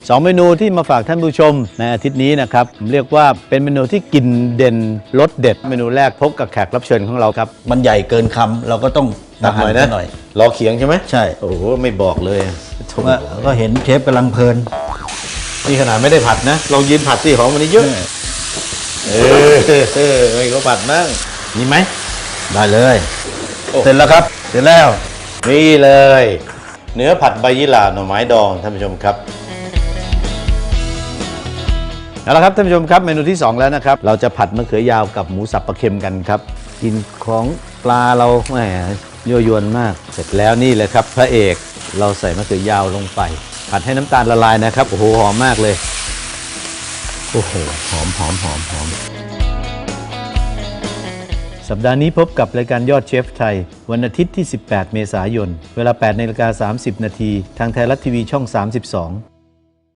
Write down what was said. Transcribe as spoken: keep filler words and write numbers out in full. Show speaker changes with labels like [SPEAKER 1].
[SPEAKER 1] สองเมนูที่มาฝากท่านผู้ชมในอาทิตย์นี้นะครับผมเรียกว่าเป็นเมนูที่กินเด่นรสเด็ดเมนูแรกพบกับแขกรับเชิญของเราครับ
[SPEAKER 2] มันใหญ่เกินคำเราก็ต้อง
[SPEAKER 1] ตักหน่อยนะ
[SPEAKER 2] หน่อย
[SPEAKER 1] รอเขียงใช่ไหม
[SPEAKER 2] ใช่
[SPEAKER 1] โอ้โหไม่บอกเลยถูก
[SPEAKER 2] ว่าก็เห็นเชฟกำลังเพลิน
[SPEAKER 1] นี่ขนาดไม่ได้ผัดนะลองยืนผัดสิของมันนี้เยอะเออเออไม่ก็ผัดนั่งมีไหม
[SPEAKER 2] ได้เลย
[SPEAKER 1] โอ้
[SPEAKER 2] เสร็จแล้วครับเสร็จแล้ว
[SPEAKER 1] นี่เลย เนื้อผัดใบยี่หร่าหน่อไม้ดองท่านผู้ชมครับเอาละครับท่านผู้ชมครับเมนูที่สองแล้วนะครับเราจะผัดมะเขือยาวกับหมูสับปลาเค็มกันครับกินของปลาเราแหมยั่วยวนมากเสร็จแล้วนี่เลยครับพระเอกเราใส่มะเขือยาวลงไปผัดให้น้ำตาลละลายนะครับโอ้โหหอมมากเลยโอ้โหหอมหอมหอมหอมสัปดาห์นี้พบกับรายการยอดเชฟไทยวันอาทิตย์ที่สิบแปดเมษายนเวลา แปดนาฬิกาสามสิบนาทีทางไทยรัฐทีวีช่องสามสิบสอง